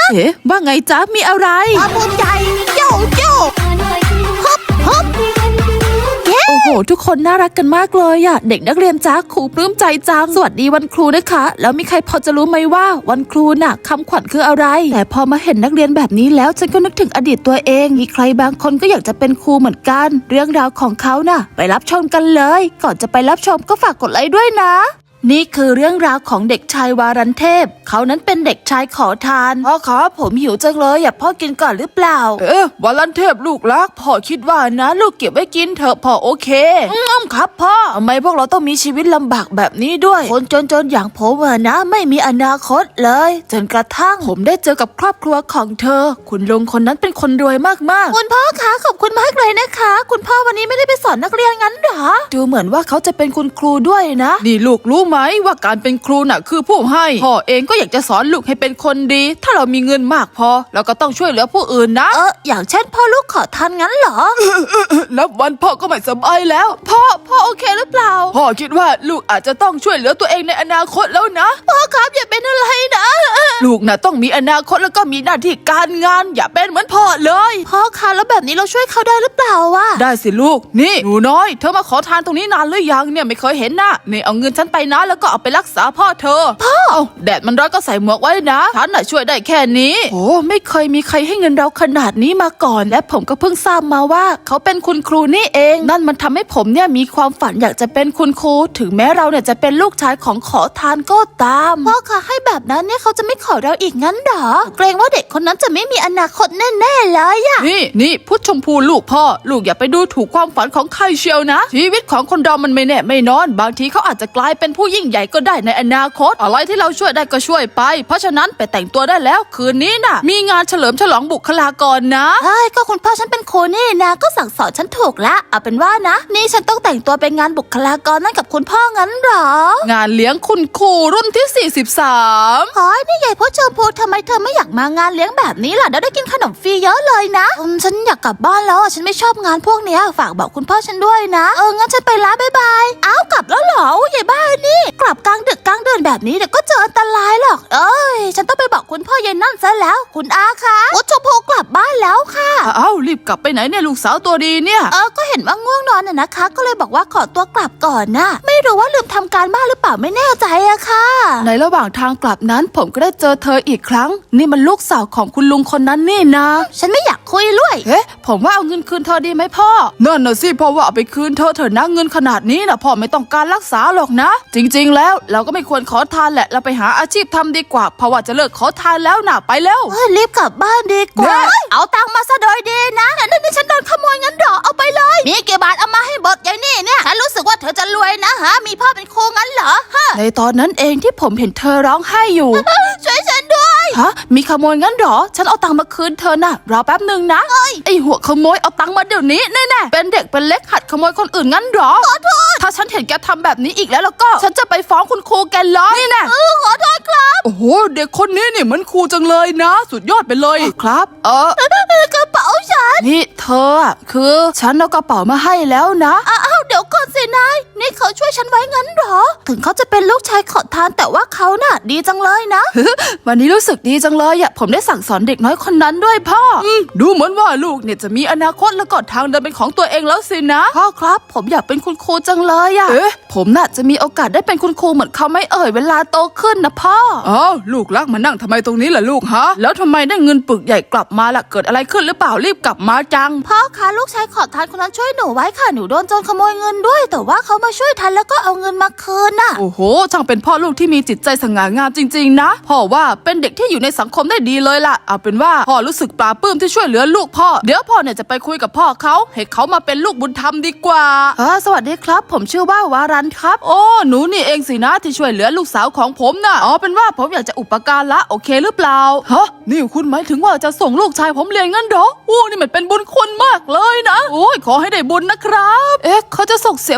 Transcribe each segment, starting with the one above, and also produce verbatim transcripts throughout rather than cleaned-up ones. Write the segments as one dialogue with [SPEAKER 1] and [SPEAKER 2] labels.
[SPEAKER 1] เอ๊ะว่าไงจ๊ะมีอะไร
[SPEAKER 2] ความภูมิใจโยโย่ฮึบฮึบ
[SPEAKER 1] โอ้โหทุกคนน่ารักกันมากเลยอะเด็กนักเรียนจ้าครูปลื้มใจจังสวัสดีวันครูนะคะแล้วมีใครพอจะรู้ไหมว่าวันครูน่ะคำขวัญคืออะไรแต่พอมาเห็นนักเรียนแบบนี้แล้วฉันก็นึกถึงอดีตตัวเองมีใครบางคนก็อยากจะเป็นครูเหมือนกันเรื่องราวของเขาน่ะไปรับชมกันเลยก่อนจะไปรับชมก็ฝากกดไลค์ด้วยนะนี่คือเรื่องราวของเด็กชายวารันเทพเขานั้นเป็นเด็กชายขอทานพ่อครับผมหิวจังเลยอยากพ่อกินก่อนหรือเปล่าเอ๊ะวารันเทพลูกรักพ่อคิดว่านะลูกเก็บไว้กินเถอะพ่อโอเคอืมครับพ่อทำไมพวกเราต้องมีชีวิตลำบากแบบนี้ด้วยคนจนๆอย่างผมอะนะไม่มีอนาคตเลยจนกระทั่งผมได้เจอกับครอบครัวของเธอคุณลุงคนนั้นเป็นคนรวยมากๆคุณพ่อคะขอบคุณมากเลยนะคะคุณพ่อวันนี้ไม่ได้ไปสอนนักเรียนงั้นหรอดูเหมือนว่าเขาจะเป็นคุณครูด้วยนะนี่ลูกรู้ไหมว่าการเป็นครูน่ะคือผู้ให้พ่อเองก็อยากจะสอนลูกให้เป็นคนดีถ้าเรามีเงินมากพอเราก็ต้องช่วยเหลือผู้อื่นนะเอออย่างเช่นพ่อลูกขอทานงั้นเหรอ นับวันพ่อก็ไม่สบายแล้วพ่อพ่อโอเคหรือเปล่าพ่อคิดว่าลูกอาจจะต้องช่วยเหลือตัวเองในอนาคตแล้วนะพ่อครับอย่าเป็นอะไรนะลูกน่ะต้องมีอนาคตแล้วก็มีหน้าที่การงานอย่าเป็นเหมือนพ่อเลยพ่อคะแล้วแบบนี้เราช่วยเขาได้หรือเปล่าวะได้สิลูกนี่หนูน้อยเธอมาขอทานตรงนี้นานหรือยังเนี่ยไม่เคยเห็นนะนี่เอาเงินฉันไปนะแล้วก็เอาไปรักษาพ่อเธอพ่อแดดมันร้อนก็ใส่หมวกไว้นะฉันน่ะช่วยได้แค่นี้โอ้ไม่เคยมีใครให้เงินเราขนาดนี้มาก่อนและผมก็เพิ่งทราบมาว่าเขาเป็นคุณครูนี่เองนั่นมันทำให้ผมเนี่ยมีความฝันอยากจะเป็นคุณครูถึงแม้เราเนี่ยจะเป็นลูกชายของขอทานก็ตามพ่อคะให้แบบนั้นเนี่ยเขาจะไม่ขอเราอีกงั้นหรอเกรงว่าเด็กคนนั้นจะไม่มีอนาคตแน่ๆเลยอะนี่นี่พุทธชมพูลูกพ่อลูกอย่าไปดูถูกความฝันของใครเชียวนะชีวิตของคนเรามันไม่แน่ไม่นอนบางทีเขาอาจจะกลายเป็นผู้ยิ่งใหญ่ก็ได้ในอนาคตอะไรที่เราช่วยได้ก็ช่วยไปเพราะฉะนั้นไปแต่งตัวได้แล้วคืนนี้น่ะมีงานเฉลิมฉลองบุคลากรนะใช่ก็คุณพ่อฉันเป็นครูนี่นะก็สั่งสอนฉันถูกละเอาเป็นว่านะนี่ฉันต้องแต่งตัวไปงานบุคลากรนั่นกับคุณพ่องั้นหรองานเลี้ยงคุณครูรุ่นที่สี่สิบสามเฮ้ยนี่ใหญ่พ่อชมพูทำไมเธอไม่อยากมางานเลี้ยงแบบนี้ล่ะเดี๋ยวได้กินขนมฟรีเยอะเลยนะอืมฉันอยากกลับบ้านแล้วฉันไม่ชอบงานพวกเนี้ยฝากบอกคุณพ่อฉันด้วยนะเอองั้นฉันไปละบ๊ายบายอ้าวกลับแล้วเหรอใหญ่บ้านนี่กลับกลางดึกกลางเดือนแบบนี้เดี๋ยวก็เจออันตรายหรอกเอ้ยฉันต้องไปบอกคุณพ่อเย็นนั่นซะแล้วคุณอาคะวัชโพกลับบ้านแล้วค่ะอ้าวรีบกลับไปไหนเนี่ยลูกสาวตัวดีเนี่ยเออก็เห็นว่าง่วงนอนน่ะนะคะก็เลยบอกว่าขอตัวกลับก่อนนะไม่รู้ว่าลืมทำการบ้านหรือเปล่าไม่แน่ใจอะค่ะในระหว่างทางกลับนั้นผมก็ได้เจอเธออีกครั้งนี่มันลูกสาวของคุณลุงคนนั้นนี่นะฉันไม่อยากคุยด้วยเฮ้ผมว่าเอาเงินคืนเธอดีไหมพ่อนั่นน่ะสิพ่อว่าเอาไปคืนเธอเถอะนะเงินขนาดนี้นะพ่อไม่ต้องการรักษาหรอกนะจริงๆแล้วเราก็ไม่ควรขอทานแหละเราไปหาอาชีพทำดีกว่าเพราะว่าจะเลิกขอทานแล้วนะไปแล้วรีบกลับบ้านดีกว่าเอาตังค์มาซะโดยดีนะนั่นนี่ฉันโดนขโมยงั้นหรอเอาไปเลยมีกี่บาทเอามาให้เบิดอย่างนี้เนี่ยฉันรู้สึกว่าเธอจะรวยนะฮะมีพ่อเป็นครูงั้นเหรอฮะในตอนนั้นเองที่ผมเห็นเธอร้องไห้อยู่ช่วยฉันด้วยฮะมีขโมยงั้นหรอฉันเอาตังค์มาคืนเธอน่ะรอแป๊บหนึ่งนะไอหัวขโมยเอาตังค์มาเดี๋ยวนี้แน่ๆเป็นเด็กเป็นเล็กหัดขโมยคนอื่นงั้นหรอขอโทษถ้าฉันเห็นแกทำแบบนี้อีกแล้วแล้วก็ฉันจะไปฟ้องคุณครูแกเลยนี่แน่ขอโทษครับโอ้โหเด็กคนนี้นี่เหมือนครูจังเลยนะสุดยอดไปเลยครับเออกระเป๋าฉันนี่เธอคือฉันเอากระเป๋ามาให้แล้วนะอ้าวเดี๋ยวก่อนสินายนี่เขาช่วยฉันไว้งั้นหรอถึงเขาจะเป็นลูกชายขอทานแต่ว่าเขาน่ะดีจังเลยนะวันนี้รู้สึกดีจังเลยอ่ะผมได้สั่งสอนเด็กน้อยคนนั้นด้วยพ่อดูเหมือนว่าลูกเนี่ยจะมีอนาคตและก็ทางเดินเป็นของตัวเองแล้วสินะพ่อครับผมอยากเป็นคุณครูจังเลยอ่ะเอ๊ะผมน่ะจะมีโอกาสได้เป็นคุณครูเหมือนเขาไม่เอ่ยเวลาโตขึ้นนะพ่ออ้าวลูกรักมานั่งทำไมตรงนี้ล่ะลูกฮะแล้วทำไมได้เงินปึกใหญ่กลับมาล่ะเกิดอะไรขึ้นหรือเปล่ารีบกลับมาจังพ่อคะลูกชายขอทานคนนั้นช่วยหนูไว้ค่ะหนูโดนโจรขโมยเงินด้วยแต่ว่าเขามาช่วยทันแล้วก็เอาเงินมาคืนน่ะโอ้โหช่างเป็นพ่อลูกที่มีจิตใจสง่างามจริงๆนะพ่อว่าเป็นเด็กที่อยู่ในสังคมได้ดีเลยล่ะเอาเป็นว่าพ่อรู้สึกปลาปลื้มที่ช่วยเหลือลูกพ่อเดี๋ยวพ่อเนี่ยจะไปคุยกับพ่อเขาให้เขามาเป็นลูกบุญธรรมดีกว่าอ่าสวัสดีครับผมชื่อว่าวารันครับโอ้หนูนี่เองสินะที่ช่วยเหลือลูกสาวของผมน่ะอ๋อเป็นว่าผมอยากจะอุปการะโอเคหรือเปล่าฮะนี่คุณหมายถึงว่าจะส่งลูกชายผมเรียนงั้นเหรอโอ้นี่มันเป็นบุญคุณมากเลยนะโอ้ยขอให้ได้บุญนะครับเอ๊ะเขาจะส่งเสีย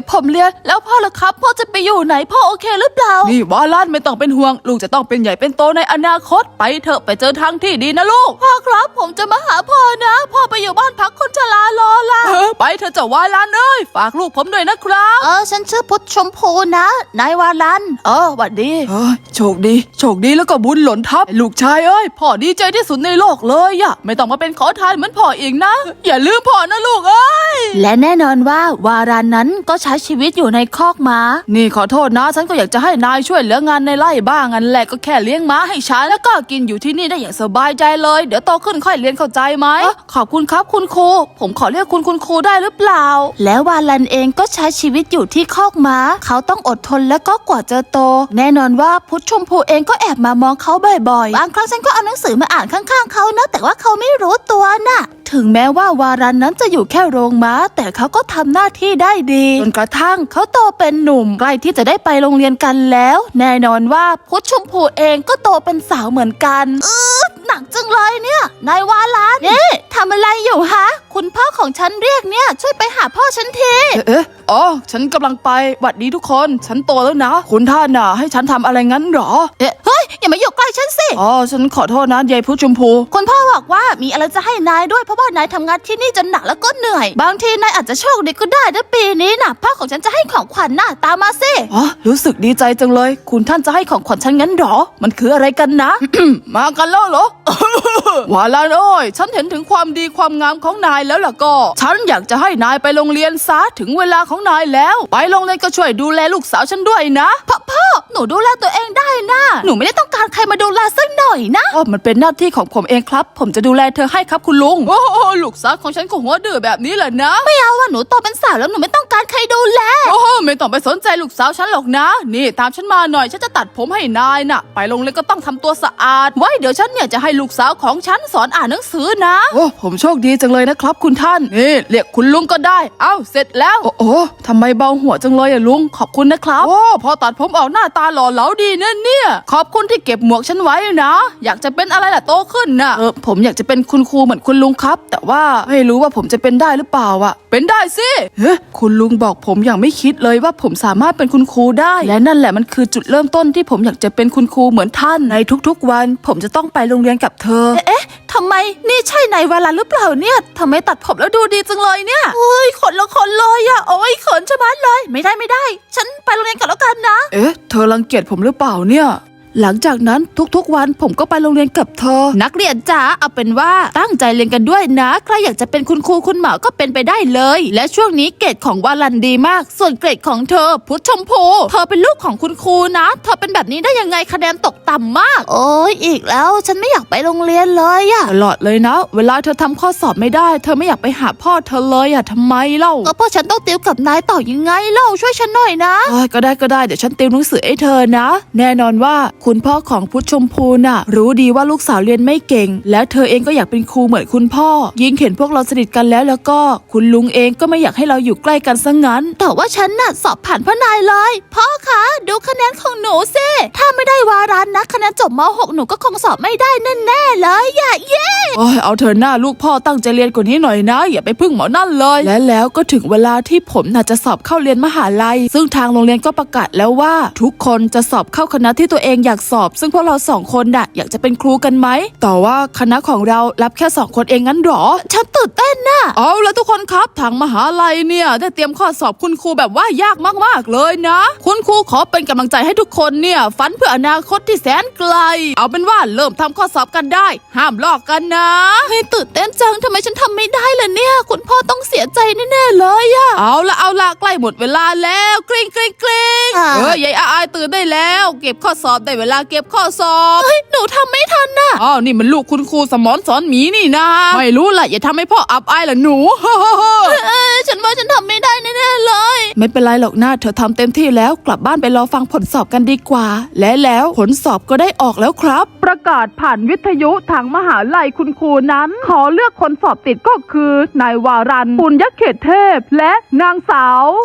[SPEAKER 1] บผมเรียนแล้วพ่อล่ะครับพ่อจะไปอยู่ไหนพ่อโอเคหรือเปล่านี่วาลันไม่ต้องเป็นห่วงลูกจะต้องเป็นใหญ่เป็นโตในอนาคตไปเถอะไปเจอทางที่ดีนะลูกพ่อครับผมจะมาหาพ่อนะพ่อไปอยู่บ้านพักคนชรารอละไปเถอะเจ้าวาลันเอ้ยฝากลูกผมด้วยนะครับ
[SPEAKER 2] เออฉันชื่อพุทธชมพูนะนายวาลัน
[SPEAKER 1] เออหวัดดีเออโชคดีโชคดีแล้วก็บุญหล่นทับลูกชายเอ้ยพ่อดีใจที่สุดในโลกเลยอะไม่ต้องมาเป็นขอทานเหมือนพ่ออีกนะอย่าลืมพ่อนะลูกเอ้ย
[SPEAKER 2] และแน่นอนว่าวารันนั้นก็ใช้ชีวิตอยู่ในคอกม้า
[SPEAKER 1] นี่ขอโทษนะฉันก็อยากจะให้นายช่วยเหลืองานในไร่บ้างงั้นแหละก็แค่เลี้ยงม้าให้ฉันแล้วก็กินอยู่ที่นี่ได้อย่างสบายใจเลยเดี๋ยวโตขึ้นค่อยเรียนเข้าใจไหมขอบคุณครับคุณครูผมขอเรียกคุณคุณครูได้หรือเปล่า
[SPEAKER 2] แล้ววาลันเองก็ใช้ชีวิตอยู่ที่คอกม้าเขาต้องอดทนและก็กว่าจะโตแน่นอนว่าพุทธชมพูเองก็แอบมามองเขาบ่อยๆบางครั้งฉันก็เอาหนังสือมาอ่านข้างๆเขานะแต่ว่าเขาไม่รู้ตัวน่ะถึงแม้ว่าวารันนั้นจะอยู่แค่โรงม้าแต่เขาก็ทำหน้าที่ได้ดีจนกระทั่งเขาโตเป็นหนุ่มใกล้ที่จะได้ไปโรงเรียนกันแล้วแน่นอนว่าพุทธชมพูเองก็โตเป็นสาวเหมือนกันเออหนักจังเลยเนี่ยนายวารันนี่ทำอะไรอยู่ฮะคุณพ่อของฉันเรียกเนี่ยช่วยไปหาพ่อฉันที
[SPEAKER 1] เอ๊ะอ๋อฉันกำลังไปหวัดดีทุกคนฉันโตแล้วนะคุณท่านน่ะให้ฉันทำอะไรงั้นหรอ
[SPEAKER 2] เอ๊ะเฮ้ยอย่ามาอยู่ใกล้ฉันสิ
[SPEAKER 1] อ๋อฉันขอโทษนะยายพุทธชมพู
[SPEAKER 2] คุณพ่อบอกว่ามีอะไรจะให้นายด้วยเพราะว่านายทำงานที่นี่จนหนักแล้วก็เหนื่อยบางทีนายอาจจะโชคดีก็ได้นะปีนี้น่ะพ่อของฉันจะให้ของขวัญน่ะตามมาสิ
[SPEAKER 1] อ๋อรู้สึกดีใจจังเลยคุณท่านจะให้ของขวัญฉันงั้นหรอมันคืออะไรกันนะ มากันแล้วเหรอ วาลานโอ้ยฉันเห็นถึงความดีความงามของนายแล้วล่ะก็ฉันอยากจะให้นายไปโรงเรียนซะถึงเวลาของนายแล้วไปโรงเรียนก็ช่วยดูแลลูกสาวฉันด้วยนะ
[SPEAKER 2] พ่อพ่อหนูดูแลตัวเองได้นะหนูไม่ได้ต้องการใครมาดูแลสักหน่อยนะ
[SPEAKER 1] อ๋อมันเป็นหน้าที่ของผมเองครับผมจะดูแลเธอให้ครับคุณลุงโอ้ลูกสาวของฉันก็หัวดื้อแบบนี้แหละนะ
[SPEAKER 2] ไม่เอาว่าหนูโตเป็นสาวแล้วหนูไม่ต้องการใครดูแล
[SPEAKER 1] โอ้ไม่ต้องไปสนใจลูกสาวฉันหรอกนะนี่ตามฉันมาหน่อยฉันจะตัดผมให้นายน่ะไปโรงเรียนก็ต้องทำตัวสะอาดไว้เดี๋ยวฉันเนี่ยจะให้ลูกสาวของฉันสอนอ่านหนังสือนะโอ้ผมโชคดีจังเลยนะครับคุณท่านนี่เรียกคุณลุงก็ได้เอ้าเสร็จแล้วโอ้โอ้ทำไมเบาหัวจังเลยอะลุงขอบคุณนะครับโอ้พอตัดผมออกหน้าตาหล่อเหลาดีเนี่ยเนี่ยขอบคุณที่เก็บหมวกฉันไว้นะอยากจะเป็นอะไรล่ะโตขึ้นน่ะเออผมอยากจะเป็นคุณครูเหมือนคุณลุงครับแต่ว่าไม่รู้ว่าผมจะเป็นได้หรือเปล่าอะเป็นได้สิเฮ้คุณลุงบอกผมอย่างไม่คิดเลยว่าผมสามารถเป็นคุณครูได้และนั่นแหละมันคือจุดเริ่มต้นที่ผมอยากจะเป็นคุณครูเหมือนท่านในทุกๆวันผมจะต้องไปโรงเรียนกับเธอ
[SPEAKER 2] เอ๊ะทำไมนี่ใช่นายวาลันหรือเปล่าเนี่ยทำไมตัดผมแล้วดูดีจังเลยเนี่ยเฮ้ยขนละขนเลยอะโอ้ยขนชะมัดเลยไม่ได้ไม่ได้ฉันไปโรงเรียนก่อนแล้วกันนะ
[SPEAKER 1] เอ๊ะเธอรังเกียจผมหรือเปล่าเนี่ยหลังจากนั้นทุกๆวันผมก็ไปโรงเรียนกับเธอ
[SPEAKER 2] นักเรียนจ๋าเอาเป็นว่าตั้งใจเรียนกันด้วยนะใครอยากจะเป็นคุณครูคุณหมอก็เป็นไปได้เลยและช่วงนี้เกรดของวาลันดีมากส่วนเกรดของเธอพุทธชมพูเธอเป็นลูกของคุณครูนะเธอเป็นแบบนี้ได้ยังไงคะแนนตกต่ำมากโอ้ยอีกแล้วฉันไม่อยากไปโรงเรียนเลยอะ
[SPEAKER 1] ตลอดเลยนะเวลาเธอทำข้อสอบไม่ได้เธอไม่อยากไปหาพ่อเธอเลยอะทำไมเล่า
[SPEAKER 2] ก็เพราะฉันต้องติวกับนายต่อยังไงเล่าช่วยฉันหน่อยนะ
[SPEAKER 1] ก็ได้ก็ได้เดี๋ยวฉันติวหนังสือให้เธอนะแน่นอนว่าคุณพ่อของพุทธชมพูน่ะรู้ดีว่าลูกสาวเรียนไม่เก่งแล้วเธอเองก็อยากเป็นครูเหมือนคุณพ่อยิ่งเห็นพวกเราสนิทกันแล้วแล้วก็คุณลุงเองก็ไม่อยากให้เราอยู่ใกล้กันซะงั้น
[SPEAKER 2] แต่ว่าฉันน่ะสอบผ่านพ่อนายเลยพ่อคะดูคะแนนของหนูสิถ้าไม่ได้วารันนะคะแนนจบม .หก หนูก็คงสอบไม่ได้แน่ๆเลยอย่าเย่
[SPEAKER 1] โอ้ยเอาเธอหน้าลูกพ่อตั้งใจเรียนกว่านี้หน่อยนะอย่าไปพึ่งหมอนั่นเลยและแล้วก็ถึงเวลาที่ผมน่ะจะสอบเข้าเรียนมหาลัยซึ่งทางโรงเรียนก็ประกาศแล้วว่าทุกคนจะสอบเข้าคณะที่ตัวเองอยากสอบซึ่งพวกเราสองคนน่ะอยากจะเป็นครูกันไหมแต่ว่าคณะของเรารับแค่สองคนเองงั้นหรอ
[SPEAKER 2] ฉันตื่นเต้นน่ะ
[SPEAKER 1] เอาละทุกคนครับทางมหาลัยเนี่ยได้เตรียมข้อสอบคุณครูแบบว่ายากมากๆเลยนะคุณครูขอเป็นกำลังใจให้ทุกคนเนี่ยฝันเพื่ออนาคตที่แสนไกลเอาเป็นว่าเริ่มทำข้อสอบกันได้ห้ามลอกกันนะ
[SPEAKER 2] ให้ตื่นเต้นจังทำไมฉันทำไม่ได้ล่ะเนี่ยคุณพ่อต้องเสียใจแน่ๆเลยอะ
[SPEAKER 1] เอาละเอาละใกล้หมดเวลาแล้วกริ๊งกริ๊งกริ๊งเออยายอายตื่นได้แล้วเก็บข้อสอบได้เวลาเก็บข้อสอบ
[SPEAKER 2] เฮ้ยหนูทำไม่ทันน่ะ
[SPEAKER 1] อ๋อนี่มันลูกคุณครูสมอนสอนหมีนี่นะไม่รู้แหละอย่าทำให้พ่ออับอายล่ะหนู
[SPEAKER 2] เออฉันว่าฉันทำไม่ได้แน่ๆเลย
[SPEAKER 1] ไม่เป็นไรหรอกนะเธอทำเต็มที่แล้วกลับบ้านไปรอฟังผลสอบกันดีกว่าและแล้วผลสอบก็ได้ออกแล้วครับประกาศผ่านวิทยุทางมหาลัยคุณครูนั้นขอเลือกคนสอบติดก็คือนายวารันปุญญเขตเทพและนางสาว
[SPEAKER 2] เอ๊ะ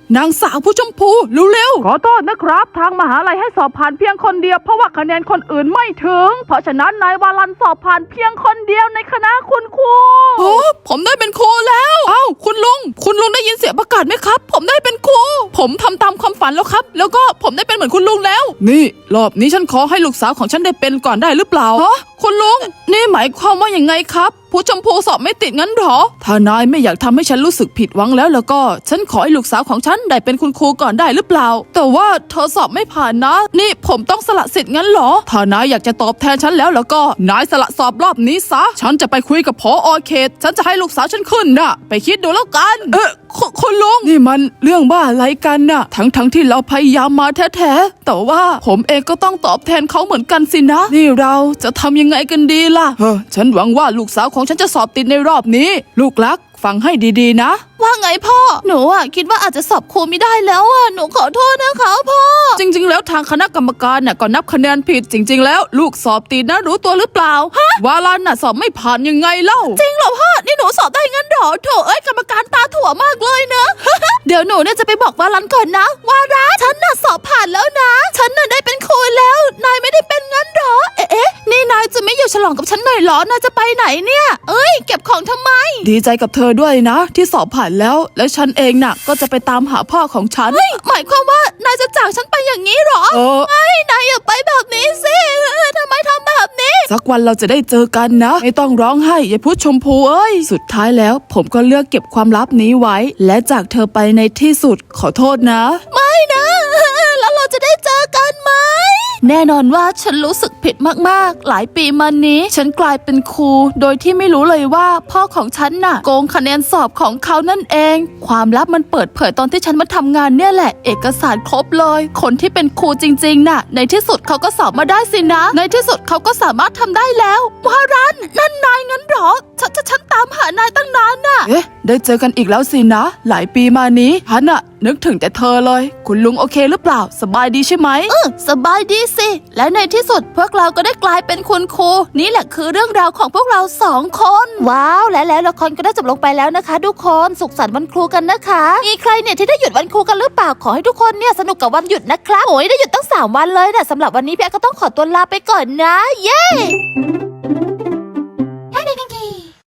[SPEAKER 1] นางสาวผู้ชมพูเร็วๆขอโทษนะครับทางมหาลัยให้สอบผ่านเพียงคนเดียวเพราะว่าคะแนนคนอื่นไม่ถึงเพราะฉะนั้นนายวาลันสอบผ่านเพียงคนเดียวในคณะคุณครูโอ้ผมได้เป็นครูแล้วเอ้าคุณลุงคุณลุงได้ยินเสียงประกาศไหมครับผมได้เป็นครูผมทำตามความฝันแล้วครับแล้วก็ผมได้เป็นเหมือนคุณลุงแล้วนี่รอบนี้ฉันขอให้ลูกสาวของฉันได้เป็นก่อนได้หรือเปล่าฮะคุณลุงนี่หมายความว่าอย่างไงครับผู้ชมพูสอบไม่ติดงั้นหรอถ้านายไม่อยากทำให้ฉันรู้สึกผิดหวังแล้วแล้วก็ฉันขอให้ลูกสาวของฉันได้เป็นคุณครูก่อนได้หรือเปล่าแต่ว่าเธอสอบไม่ผ่านนะนี่ผมต้องสละสิทธิ์งั้นหรอถ้านายอยากจะตอบแทนฉันแล้วแล้วก็นายสละสอบรอบนี้ซะฉันจะไปคุยกับผอ.เขตฉันจะให้ลูกสาวฉันขึ้นนะไปคิดดูแล้วกันเออคุณลุงนี่มันเรื่องบ้าอะไรกันน่ะทั้งทั้งที่เราพยายามมาแท้ๆแต่ว่าผมเองก็ต้องตอบแทนเขาเหมือนกันสินะนี่เราจะทำยังไงกันดีล่ะเฮ้อฉันหวังว่าลูกสาวของฉันจะสอบติดในรอบนี้ลูกรักฟังให้ดีๆนะว่าไงพ่อหนูอ่ะคิดว่าอาจจะสอบครูไม่ได้แล้วอ่ะหนูขอโทษนะคะพ่อจริงๆแล้วทางคณะกรรมการน่ะก็นับคะแนนผิดจริงๆแล้วลูกสอบติดนะรู้ตัวหรือเปล่าฮะวาลันน่ะสอบไม่ผ่านยังไงเล่าจริงเหรอพ่อนี่หนูสอบได้งั้นหรอโถเอ้ยกรรมการตาถั่วมากเลยนะ เดี๋ยวหนูเนี่ยจะไปบอกวาลันก่อนนะวาลันฉันน่ะสอบผ่านแล้วนะฉันน่ะได้เป็นครูแล้วนายไม่ได้เป็นงั้นหรอเอ๊ะนี่นายจะไม่อยู่ฉลองกับฉันหน่อยหรอนายจะไปไหนเนี่ยเอ้ยเก็บของทำไมดีใจกับเธอด้วยนะที่สอบผ่านแล้วและฉันเองน่ะก็จะไปตามหาพ่อของฉันหมายความว่านายจะจากฉันไปอย่างนี้หรอเออไอ้นายอย่าไปแบบนี้สิทำไมทำแบบนี้สักวันเราจะได้เจอกันนะไม่ต้องร้องไห้อย่าพูดชมพูเอ้ยสุดท้ายแล้วผมก็เลือกเก็บความลับนี้ไว้และจากเธอไปในที่สุดขอโทษนะไม่นะแล้วเราจะได้เจอกันไหมแน่นอนว่าฉันรู้สึกผิดมากๆหลายปีมานี้ฉันกลายเป็นครูโดยที่ไม่รู้เลยว่าพ่อของฉันน่ะโกงคะแนนสอบของเขานั่นเองความลับมันเปิดเผยตอนที่ฉันมาทำงานเนี่ยแหละเอกสารครบเลยคนที่เป็นครูจริงๆน่ะในที่สุดเขาก็สอบมาได้สินะในที่สุดเขาก็สามารถทำได้แล้ววารันนั่นนายงั้นหรอฉันฉันตามหานายตั้งนานน่ะเอ๊ะได้เจอกันอีกแล้วสินะหลายปีมานี้ฉันน่ะนึกถึงแต่เธอเลยคุณลุงโอเคหรือเปล่าสบายดีใช่ไหมเออสบายดีสิและในที่สุดพวกเราก็ได้กลายเป็นคุณครูนี่แหละคือเรื่องราวของพวกเราสองคนว้าวและแล้วละครก็ได้จบลงไปแล้วนะคะทุกคนสุขสันต์วันครูกันนะคะมีใครเนี่ยที่ได้หยุดวันครูกันหรือเปล่าขอให้ทุกคนเนี่ยสนุกกับวันหยุดนะครับโอ้ยได้หยุดตั้งสามวันเลยนะสำหรับวันนี้พี่แอ๊ก็ต้องขอตัวลาไปก่อนนะเย้